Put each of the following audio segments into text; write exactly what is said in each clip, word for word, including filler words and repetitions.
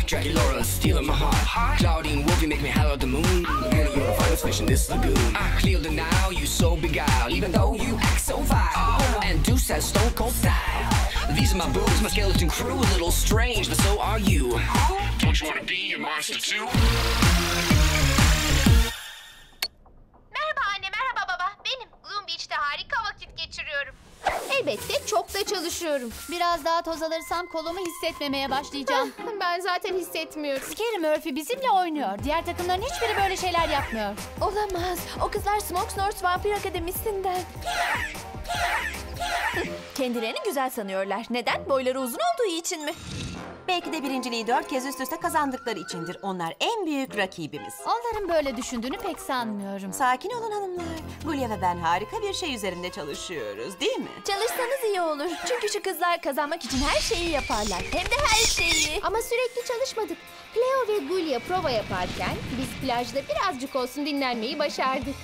Dracula, stealing my heart. Claudine Wolfie make me holler at the moon. And you're the finest fish in this lagoon. I clear the now, you so beguiled, even though you act so vile. And Deuce has stone cold style. These are my boobs, my skeleton crew, a little strange, but so are you. Don't you wanna be a monster too? Merhaba anne, merhaba baba. Benim Gloom Beach'te harika vakit geçiriyorum. Elbette çok da çalışıyorum. Biraz daha toz alırsam kolumu hissetmemeye başlayacağım. Ben zaten hissetmiyorum. Scary Murphy bizimle oynuyor. Diğer takımların hiçbiri böyle şeyler yapmıyor. Olamaz. O kızlar Smokesnort Vampir Akademisi'nden. Kendilerini güzel sanıyorlar. Neden? Boyları uzun olduğu için mi? Belki de birinciliği dört kez üst üste kazandıkları içindir. Onlar en büyük rakibimiz. Onların böyle düşündüğünü pek sanmıyorum. Sakin olun hanımlar. Gulya ve ben harika bir şey üzerinde çalışıyoruz, değil mi? Çalışsanız iyi olur. Çünkü şu kızlar kazanmak için her şeyi yaparlar. Hem de her şeyi. Ama sürekli çalışmadık. Cleo ve Gulya prova yaparken biz plajda birazcık olsun dinlenmeyi başardık.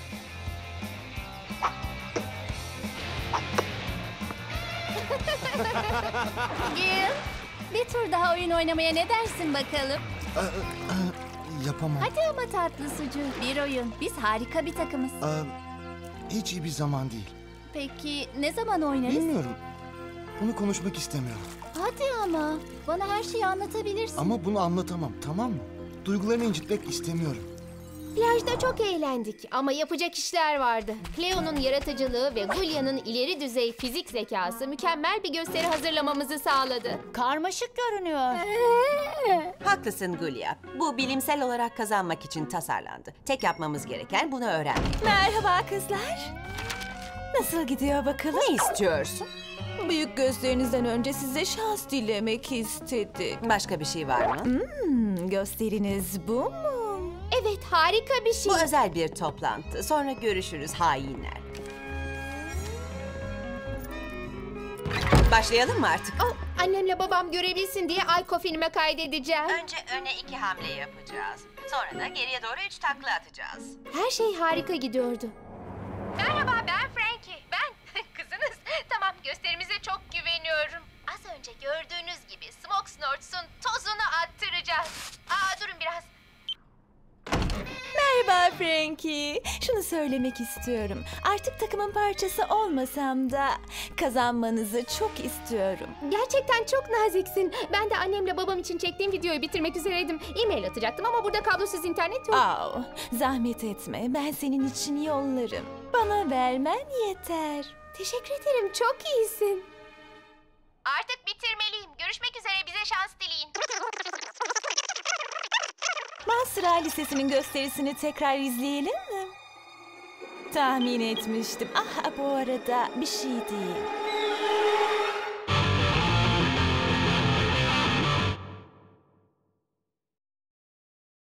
Gil, bir tur daha oyun oynamaya ne dersin bakalım? Aa, aa, yapamam. Hadi ama tatlı sucu. Bir oyun. Biz harika bir takımız. Aa, hiç iyi bir zaman değil. Peki ne zaman oynarız? Bilmiyorum. Bunu konuşmak istemiyorum. Hadi ama. Bana her şeyi anlatabilirsin. Ama bunu anlatamam, tamam mı? Duygularını incitmek istemiyorum. Plajda çok eğlendik ama yapacak işler vardı. Cleo'nun yaratıcılığı ve Gulya'nın ileri düzey fizik zekası mükemmel bir gösteri hazırlamamızı sağladı. Karmaşık görünüyor. Haklısın Gulya. Bu bilimsel olarak kazanmak için tasarlandı. Tek yapmamız gereken bunu öğrenmek. Merhaba kızlar. Nasıl gidiyor bakalım? Ne istiyorsun? Büyük gösterinizden önce size şans dilemek istedik. Başka bir şey var mı? Hmm, gösteriniz bu mu? Evet, harika bir şey. Bu özel bir toplantı. Sonra görüşürüz hainler. Başlayalım mı artık? Oh, annemle babam görebilsin diye Ayko filme kaydedeceğim. Önce öne iki hamle yapacağız. Sonra da geriye doğru üç takla atacağız. Her şey harika gidiyordu. Merhaba, ben Frankie. Ben kızınız. Tamam, gösterimize çok güveniyorum. Az önce gördüğünüz gibi Smokesnorts'un tozunu attıracağız. Aa, durun biraz. Merhaba Frankie. Şunu söylemek istiyorum. Artık takımın parçası olmasam da kazanmanızı çok istiyorum. Gerçekten çok naziksin. Ben de annemle babam için çektiğim videoyu bitirmek üzereydim. E-mail atacaktım ama burada kablosuz internet yok. Aa, zahmet etme. Ben senin için yollarım. Bana vermen yeter. Teşekkür ederim. Çok iyisin. Artık bitirmeliyim. Görüşmek üzere, bize şans dileyin. Mansura Lisesi'nin gösterisini tekrar izleyelim mi? Tahmin etmiştim. Ah, bu arada bir şey değil.